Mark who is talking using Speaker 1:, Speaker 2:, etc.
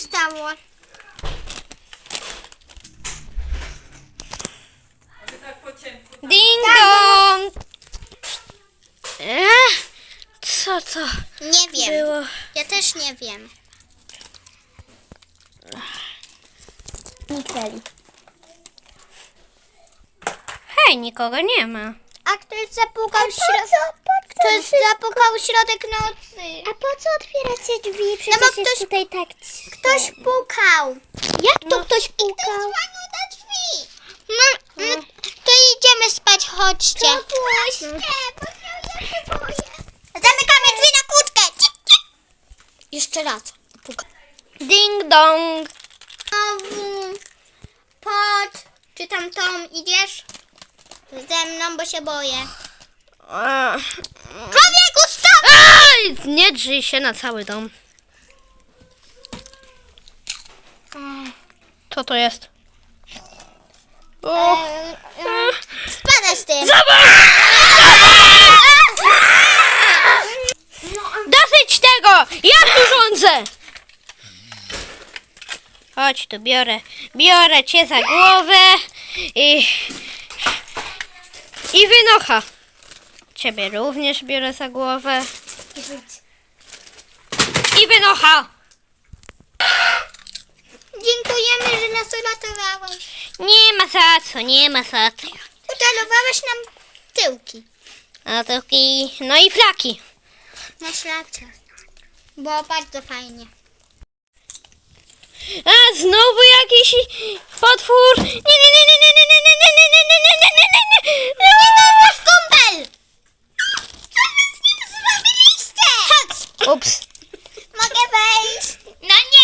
Speaker 1: stało?
Speaker 2: Ding dong! Co to
Speaker 1: Nie wiem.
Speaker 2: było?
Speaker 1: Ja też nie wiem. Nikeli.
Speaker 2: Hej, nikogo nie ma.
Speaker 1: A ktoś zapukał Ktoś zapukał środek nocy. A po co otwieracie drzwi? Przecież no bo ktoś tutaj tak. Ktoś pukał. Jak to ktoś pukał? Ktoś na drzwi. No, to idziemy spać, chodźcie. Puśćcie, bo ja się boję. Zamykamy drzwi na kłódkę. Jeszcze raz. Pukał.
Speaker 2: Ding dong!
Speaker 1: Znowu. Pod. Czy tam Tom idziesz? Ze mną, bo się boję. Człowieku, stop!
Speaker 2: Aj, nie drzyj się na cały dom. Co to jest? O,
Speaker 1: Spadaj z tym.
Speaker 2: dosyć tego! Ja tu rządzę! Chodź tu, biorę cię za głowę i wynocha. Ciebie również biorę za głowę i wynocha.
Speaker 1: Dziękujemy, że nas uratowałeś.
Speaker 2: Nie ma za co, nie ma za co.
Speaker 1: Utalowałeś nam tyłki.
Speaker 2: A taki, no i flaki.
Speaker 1: Masz rację. Było bardzo fajnie.
Speaker 2: A znowu jakiś potwór. Nie, nie, nie, nie, nie, nie, nie, nie, nie, nie, nie, nie, nie, nie, nie, nie.
Speaker 1: Nasz kumpel! Co wy z nim zrobiliście? Chodź!
Speaker 2: Ups.
Speaker 1: Mogę wejść? No nie!